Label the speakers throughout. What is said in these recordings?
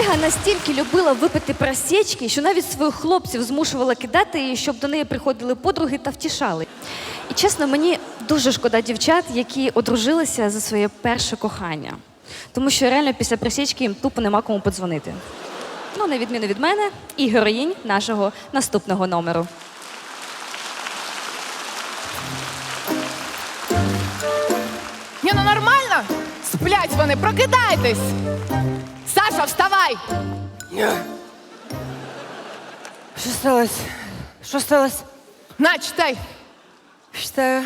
Speaker 1: Ольга настільки любила випити просечки, що навіть своїх хлопців змушувала кидати її, щоб до неї приходили подруги та втішали. І чесно, мені дуже шкода дівчат, які одружилися за своє перше кохання. Тому що реально після просечки їм тупо нема кому подзвонити. Ну, на відміну від мене і героїнь нашого наступного номеру.
Speaker 2: Ні, ну нормально? Сплять вони, прокидайтесь! Саша, вставай!
Speaker 3: Що сталося? Що сталося?
Speaker 2: На, читай.
Speaker 3: Читаю.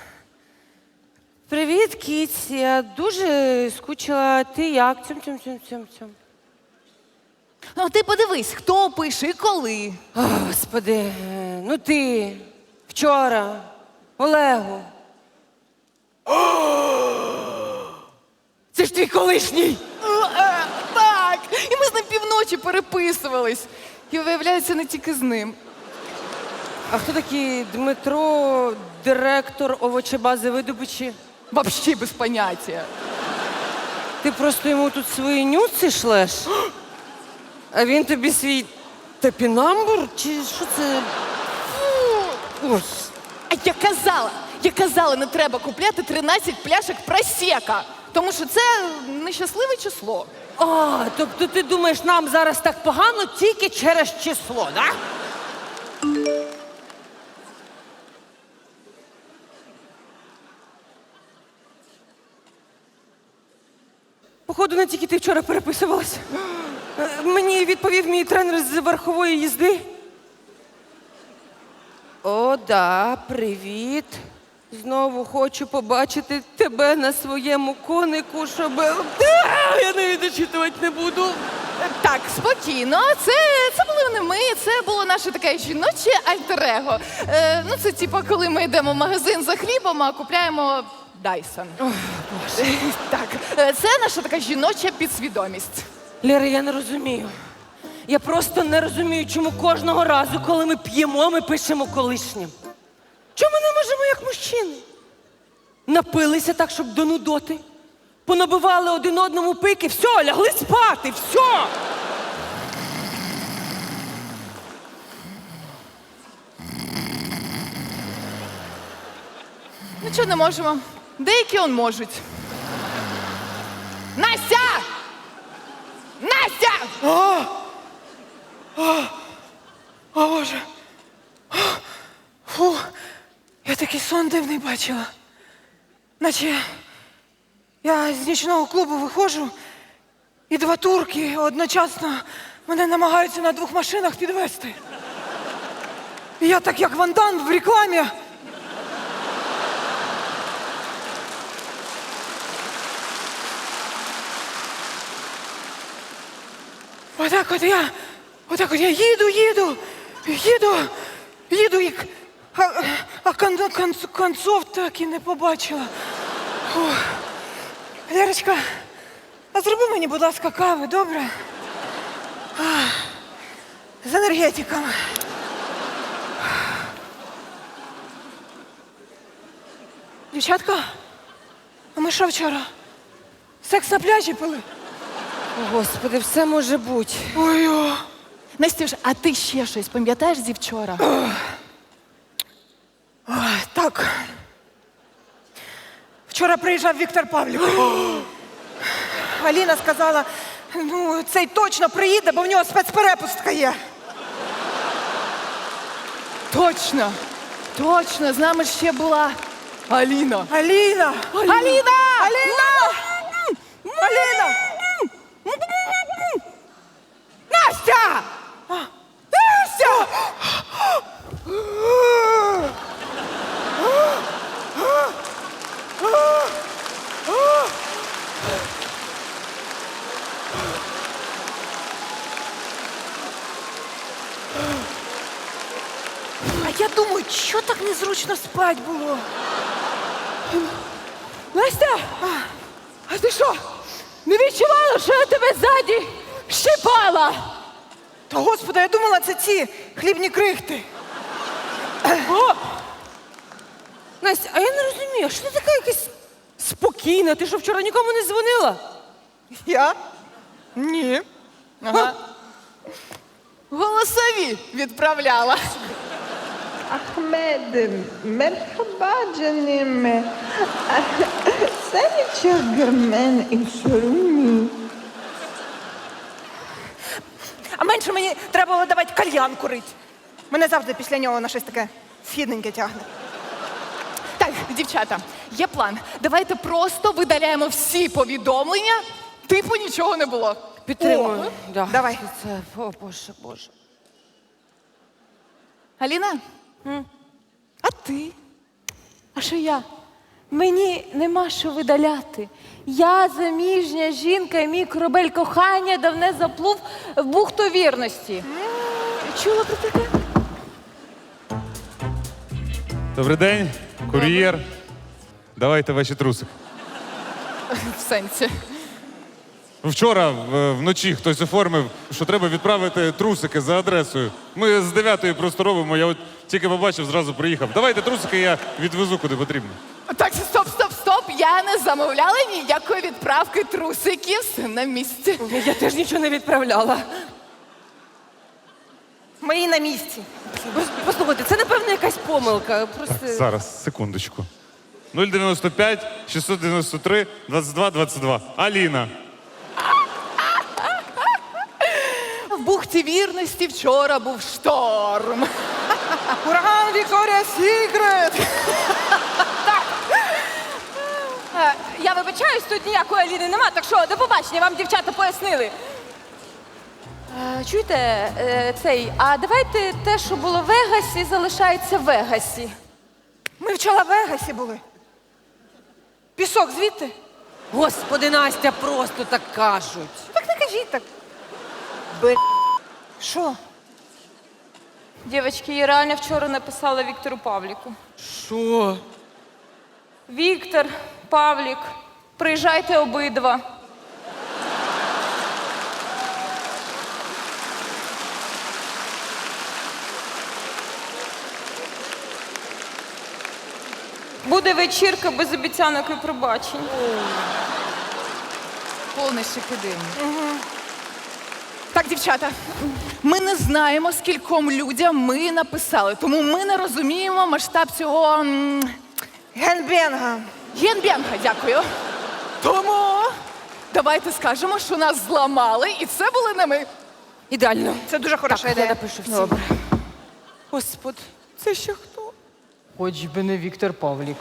Speaker 3: Привіт, кіць. Я дуже скучила. Ти як? Цьом.
Speaker 2: Ну ти подивись, хто пише і коли.
Speaker 3: О, Господи, ну ти вчора Олегу. Це ж твій колишній.
Speaker 2: Так, і ми з ним півночі переписувались. І виявляється, не тільки з ним.
Speaker 3: А хто такий Дмитро, директор овочебази видобичі?
Speaker 2: Вообще без поняття.
Speaker 3: Ти просто йому тут свої нюци шлеш? А він тобі свій топінамбур? Чи що це? Ось.
Speaker 2: А я казала, не треба купляти 13 пляшок просека, тому що це нещасливе число.
Speaker 3: А, тобто ти думаєш, нам зараз так погано тільки через число, так? Походу, не тільки ти вчора переписувалася. Мені відповів мій тренер з верхової їзди. О, да, привіт. Знову хочу побачити тебе на своєму конику, щоб... Я навіть дочитувати не буду.
Speaker 2: Так, спокійно. Це були не ми, це було наше таке жіноче альтер-его. Ну, це типа, коли ми йдемо в магазин за хлібом, а купляємо Dyson. Так, це наша така жіноча підсвідомість.
Speaker 3: Лєра, я не розумію. Я просто не розумію, чому кожного разу, коли ми п'ємо, ми пишемо колишнім. Чому ми не можемо як мужчини? Напилися так, щоб до нудоти. Понабивали один одному пики, все, лягли спати, все.
Speaker 2: Нічого не можемо. Деякі он можуть. Настя! Настя!
Speaker 4: О, Боже. Фу, я такий сон дивний бачила. Наче я з нічного клубу виходжу, і два турки одночасно мене намагаються на двох машинах підвезти. І я так як Ван Дам в рекламі. Отак от я їду, а концов так і не побачила. Фух. Лерочка, а зроби мені, будь ласка, кави, добре? З енергетиком. Дівчатка, а ми що вчора? Секс на пляжі пили?
Speaker 3: О, Господи, все може бути.
Speaker 4: Ой-о.
Speaker 2: Настюш, а ти ще щось пам'ятаєш зі вчора?
Speaker 4: Так. Вчора приїжджав Віктор Павлік. Аліна сказала, ну, цей точно приїде, бо в нього спецперепустка є.
Speaker 2: Точно! З нами ще була Аліна.
Speaker 4: Аліна!
Speaker 2: Аліна!
Speaker 4: Настя!
Speaker 2: Настя!
Speaker 4: А я думаю, що так незручно спать було?
Speaker 2: Настя! А ти що? Не відчувала, що я тебе ззаді щипала?
Speaker 4: Та, Господи, я думала, це ці хлібні крихти.
Speaker 3: Настя, а я не розумію, що ти така якась спокійна? Ти що, вчора нікому не дзвонила?
Speaker 4: Я? Ні.
Speaker 3: Ага.
Speaker 2: відправляла.
Speaker 5: أحمد مرحبا جنم سالك جرمان إنشروني.
Speaker 4: А менше мені треба було давати кальян курити. Мене завжди після нього на щось таке східненьке тягне.
Speaker 2: Так, дівчата, є план. Давайте просто видаляємо всі повідомлення, типу нічого не було.
Speaker 3: Підтримую.
Speaker 2: О,
Speaker 3: Да.
Speaker 4: давай.
Speaker 3: Це, о, Боже, Боже.
Speaker 2: Аліна? А ти? А що я?
Speaker 6: Мені нема що видаляти. Я заміжня жінка, і мій корабель кохання давне заплув в бухту вірності. Чула про таке?
Speaker 7: Добрий день, кур'єр. Давайте ваші трусики.
Speaker 2: В сенсі.
Speaker 7: Вчора вночі хтось оформив, що треба відправити трусики за адресою. Ми з 9-ї просто робимо, я от тільки побачив, зразу приїхав. Давайте трусики, я відвезу куди потрібно.
Speaker 2: Так, стоп. Я не замовляла ніякої відправки трусиків, все на місці.
Speaker 3: Я теж нічого не відправляла.
Speaker 4: Мої на місці.
Speaker 3: Послухайте, це, напевно, якась помилка. Просто...
Speaker 7: Зараз, секундочку. 095 693 22 22. Аліна.
Speaker 2: В бухті вірності вчора був шторм.
Speaker 4: Ураган Вікторія Сікрет!
Speaker 6: Я вибачаюсь, тут ніякої Аліни нема, так що до побачення, вам дівчата пояснили. Чуєте, а давайте те, що було в Вегасі, залишається в Вегасі.
Speaker 4: Ми вчора в Вегасі були. Пісок звідти?
Speaker 3: Господи, Настя, просто так кажуть.
Speaker 4: Так не кажіть так. Що?
Speaker 6: Дівчатки, я реально вчора написала Віктору Павліку.
Speaker 3: Що?
Speaker 6: Віктор, Павлік, приїжджайте обидва. Буде вечірка без обіцянок і пробачень.
Speaker 2: Повне шикидиння. Так, дівчата, ми не знаємо, скільком людям ми написали, тому ми не розуміємо масштаб цього
Speaker 4: Генбенга.
Speaker 2: генбенга, дякую. Тому давайте скажемо, що нас зламали, і це були не ми.
Speaker 3: Ідеально.
Speaker 4: Це дуже хороша
Speaker 3: Я
Speaker 4: ідея.
Speaker 3: напишу всім.
Speaker 6: Добре.
Speaker 3: Господи, це ще хто?
Speaker 6: Хоч би не Віктор Павлік.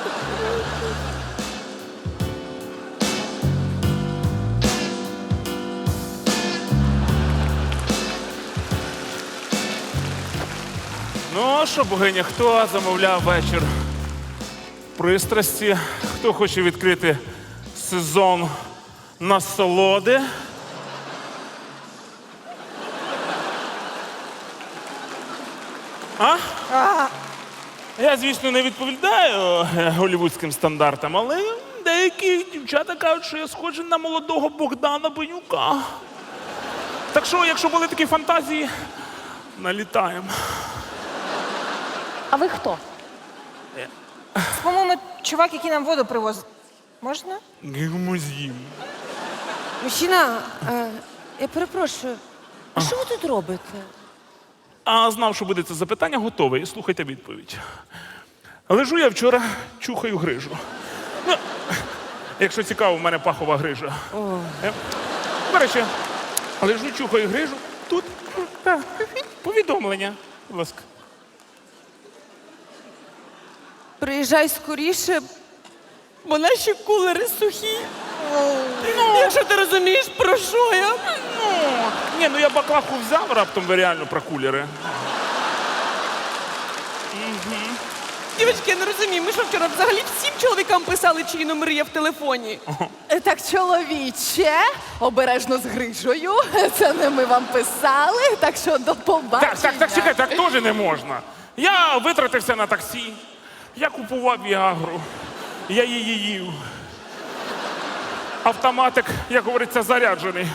Speaker 8: Ну що, богиня, хто замовляв вечір пристрасті? Хто хоче відкрити сезон насолоди? А? Я, звісно, не відповідаю голлівудським стандартам, але деякі дівчата кажуть, що я схожий на молодого Богдана Бенюка. Так що, якщо були такі фантазії, налітаємо.
Speaker 6: А ви хто?
Speaker 4: По-моєму, чувак, який нам воду привозить. Можна?
Speaker 8: Гімузім.
Speaker 3: Мужчина, я перепрошую, а що ви тут робите?
Speaker 8: А знав, що буде це запитання, готовий. Слухайте відповідь. Лежу я вчора, чухаю грижу. Ну, якщо цікаво, в мене пахова грижа. До речі, лежу, чухаю грижу. Тут повідомлення, будь ласка.
Speaker 3: Приїжджай скоріше, бо наші кулери сухі. Якщо ти розумієш, про що я?
Speaker 8: Ні, ну я баклаху взяв, раптом ви реально про кулери.
Speaker 3: Дівчатки, я не розумію, ми що вчора взагалі всім чоловікам писали, чиї номери є в телефоні?
Speaker 2: Так, чоловіче, обережно з грижею. Це не ми вам писали, так що до побачення.
Speaker 8: Так, чекай, так теж не можна. Я витратився на таксі, я купував Віагру, я її їв. Автоматик, як говориться, заряджений.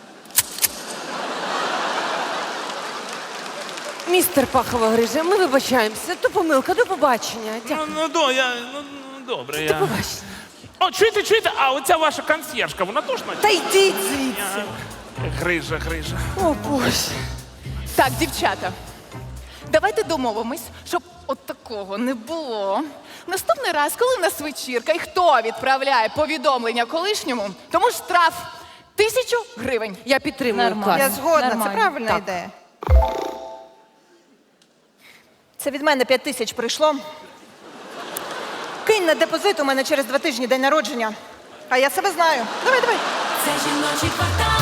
Speaker 3: Містер Пахова Грижа, ми вибачаємося. То помилка, до побачення. Дякую.
Speaker 8: Добре,
Speaker 3: До
Speaker 8: я...
Speaker 3: побачення.
Speaker 8: О, чуєте, а оця ваша консьєржка, вона точно?
Speaker 3: Та йдіть звідси.
Speaker 8: Грижа.
Speaker 3: О, Боже.
Speaker 2: Так, дівчата, давайте домовимось, щоб от такого не було. Наступний раз, коли у нас вечірка, і хто відправляє повідомлення колишньому, тому ж штраф 1000 гривень.
Speaker 3: Я підтримую
Speaker 6: Нормально.
Speaker 4: Я
Speaker 3: Катю.
Speaker 4: згодна,
Speaker 6: Нормально.
Speaker 4: це правильна
Speaker 3: Так.
Speaker 4: ідея. Це від мене 5000 прийшло. Кинь на депозит, у мене через 2 тижні день народження. А я себе знаю. Давай.
Speaker 9: Це жіночий квартал.